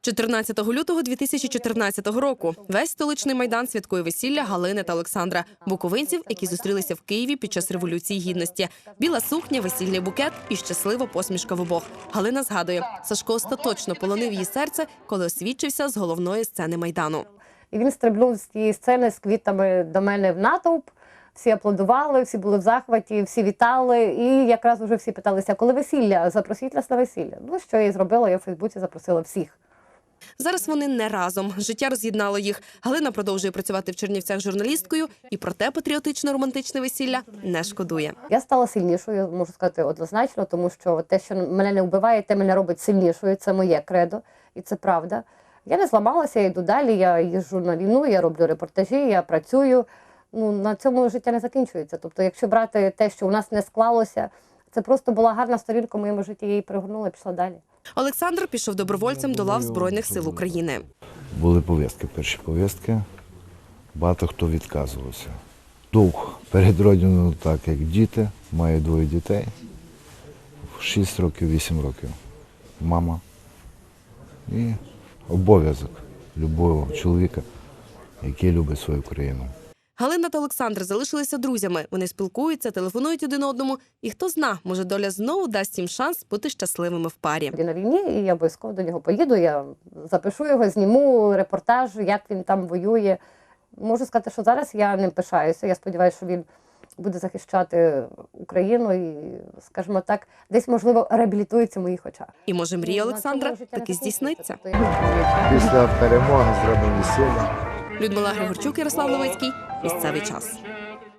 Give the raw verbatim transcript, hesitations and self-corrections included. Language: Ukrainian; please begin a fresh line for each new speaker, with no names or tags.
чотирнадцятого лютого дві тисячі чотирнадцятого року весь столичний майдан святкує весілля Галини та Олександра, буковинців, які зустрілися в Києві під час Революції Гідності. Біла сукня, весільний букет і щаслива посмішка в обох. Галина згадує, Сашко остаточно полонив її серце, коли освідчився з головної сцени Майдану.
І він стрибнув з тієї сцени з квітами до мене в натовп. Всі аплодували, всі були в захваті, всі вітали. І якраз вже всі питалися, коли весілля, запросіть нас на весілля. Ну, що я і зробила, я в Фейсбуці запросила всіх.
Зараз вони не разом. Життя роз'єднало їх. Галина продовжує працювати в Чернівцях журналісткою і про те патріотично-романтичне весілля не шкодує.
Я стала сильнішою, можу сказати однозначно, тому що те, що мене не вбиває, те мене робить сильнішою. Це моє кредо, і це правда. Я не зламалася, я йду далі, я їжджу на війну, я роблю репортажі, я працюю. Ну, на цьому життя не закінчується. Тобто, якщо брати те, що у нас не склалося, це просто була гарна сторінка в моєму житті, я її перегорнула і пішла далі.
Олександр пішов добровольцем до лав Збройних сил України.
Були повістки, перші повістки. Багато хто відказувався. Дух перед родиною так, як діти, маю двоє дітей. шість років, вісім років. Мама. І обов'язок любого чоловіка, який любить свою країну.
Галина та Олександр залишилися друзями. Вони спілкуються, телефонують один одному. І хто зна, може доля знову дасть їм шанс бути щасливими в парі.
Він на війні, і я обов'язково до нього поїду, я запишу його, зніму репортаж, як він там воює. Можу сказати, що зараз я ним пишаюся. Я сподіваюся, що він буде захищати Україну і, скажімо так, десь, можливо, реабілітується в моїх очах.
І може мрія Олександра таки здійсниться.
Після перемоги зробимо весілля.
Людмила Григорчук, Ярослав Левицький. Місцевий час.